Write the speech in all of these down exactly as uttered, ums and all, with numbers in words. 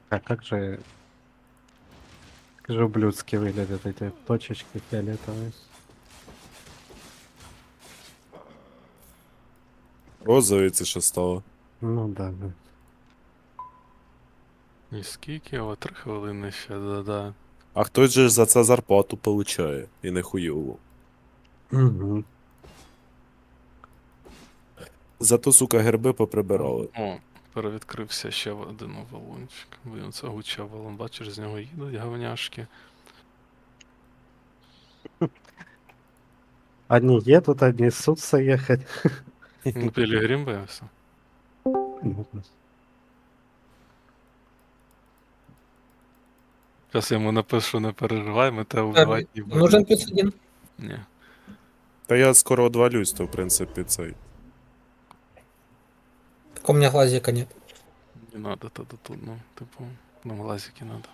А как же, как же ублюдски выглядят эти точечки фиолетовые? Розовий це що стало? Ну да, да. І скільки? О, три хвилини ще, да-да. А хтось же ж за це зарплату получає, і не хуйову. Угу. Зато, сука, герби поприбирали. О, перевідкрився ще один валунчик. Блін, це гуча валун, бачиш, з нього їдуть говняшки. Одни едут, одни ссутся ехать. Ну, Пілігрім виявився. Зараз я йому напишу, не переживай, ми тебе вбивати не будемо. Нужен плюс один. Ні. Та я скоро одвалюсь, то в принципі цей. Так у меня глазика нет. Не надо тоді тут, ну, типу, нам глазики надо.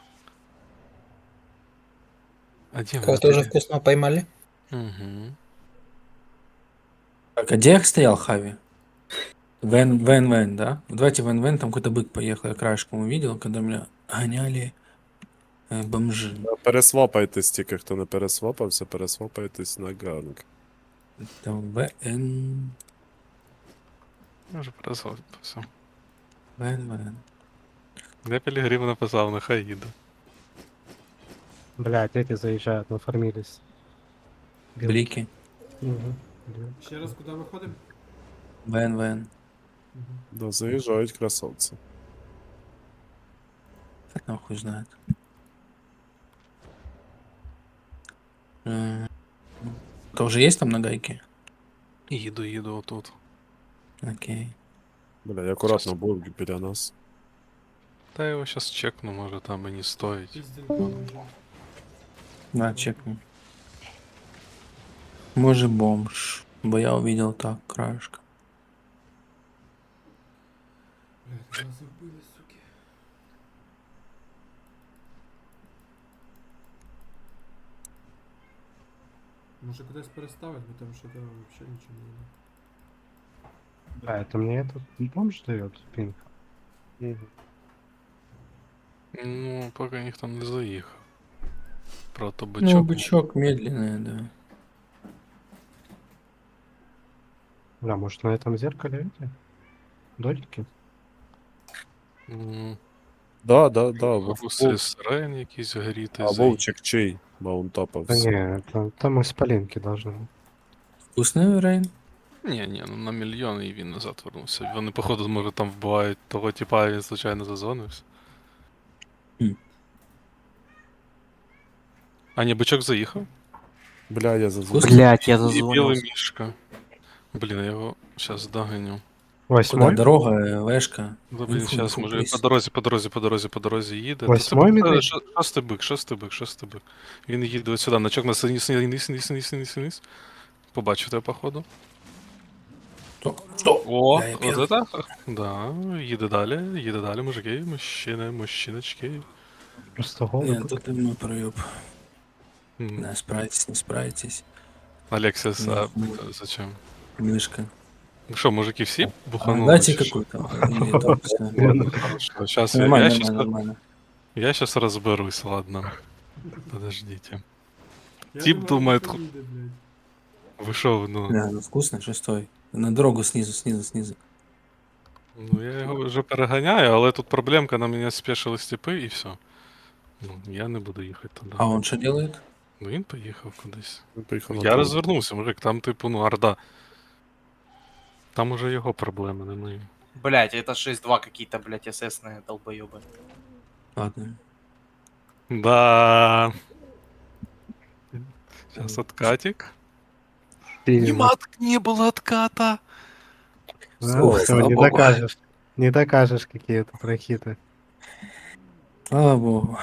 А де Кого тоже вкусно поймали. Угу. Так, а где я стоял, Хави? Вен, Вен, Вен, да? Давайте Вен, Вен, там какой-то бык поехал, я краешком увидел, когда меня гоняли э, бомжи. Пересвапайтесь тільки, хто не пересвапався, пересвапайтесь на ганг. Там Вен, Може перезвати, все. Вен, Вен. Де Пілігрім написав, нехай їде. Блять, эти заезжают, нафармились. Блики. Угу. Ще раз куди виходимо? Вен, Вен. Да, заїжджають красавці. Фиг нахуй знает. Э, Это уже есть там на гайке? Їду, їду отут. Окей. Бля, акуратно був біля нас. Та я його щас чекну, може там і не стоїть. Піздень. Да, чекну. Может бомж. Бо я увидел так, краешка. Блядь, нас вбили, суки. Може кудись переставити, бо там що то взагалі нічого не буде. А, это мне этот бомж дает пинг. Ну, поки ніхто не заїхав. Прото Ну, бичок. бычок медленный, да. Бля, может на этом зеркале эти? Додики? М, Да, да, да. Гуси сирен якісь горіти. А вовчик чий? Маунтапа Да все. не, это, там исполинки должны быть. Вкусный Рейн? Ні, ні, ну на мільйон і він назад вернувся. Вони, походу, може там вбивають того типа, і він случайно зазвонився. Хм. А ні, бичок заїхав. Бля, я зазвонив. Блять, я І білий зазвонился. мішка. Блін, я його зараз доганю. Куда? Восьмой? Дорога, э, вешка. Ну, блін, Інфу, зараз інфу, може він пліс. по дорозі, по дорозі, по дорозі, по дорозі їде. Восьмой Та це медведь? шо- Шостий бик, шостий бик, шостий бик. Він їде ось сюди, начок на низ, низ, низ, низ, низ, низ, низ. Побачив тебе, походу. Что? Что? О, Да, я от п'яний. это? Да, їде далі, їде далі, мужики, мужчини, мужчиночки. Просто голый. Нет, бык. тут мой проеб. М, Не справитесь, не справитесь. Алексис, а Ну, зачем? Мишка. Ну что, мужики все А, буханули? дайте чи що? какой-то. Или там всё. Ладно. Хорошо, сейчас я, Нормально, я, нормально, щас, нормально. я сейчас разберусь, ладно. Подождите. Я Тип не думает, знаю, хто їде, блядь. Вы шо, ну, Да, ну вкусно, шестой. На дорогу снизу, снизу, снизу. ну я його вже переганяю, але тут проблемка, на мене спешили степи і все. Ну, я не буду їхати туди. А он что делает? Ну він поїхав кудись. Він поїхав на Я дорогу. розвернувся, мужик, там типу, ну, орда. Там уже його проблеми, не мої. Блять, это шесть два какие-то, блять, эсэсные долбоёбы. Ладно. Да. Сейчас откатик. Пиздец. Не, мат, не было отката. А, Всё, всё, слава не богу. докажешь. Не докажешь какие-то прохиты. Слава богу.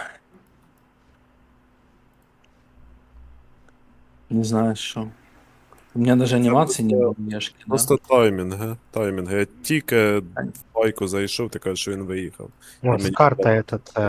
Не знаю, что. У меня даже анимации не было, Мешки, да? Просто таймінг, га? Таймінг. Я тільки в байку зайшов, ти кажеш, що він виїхав. Вот, Имени- карта этот, э,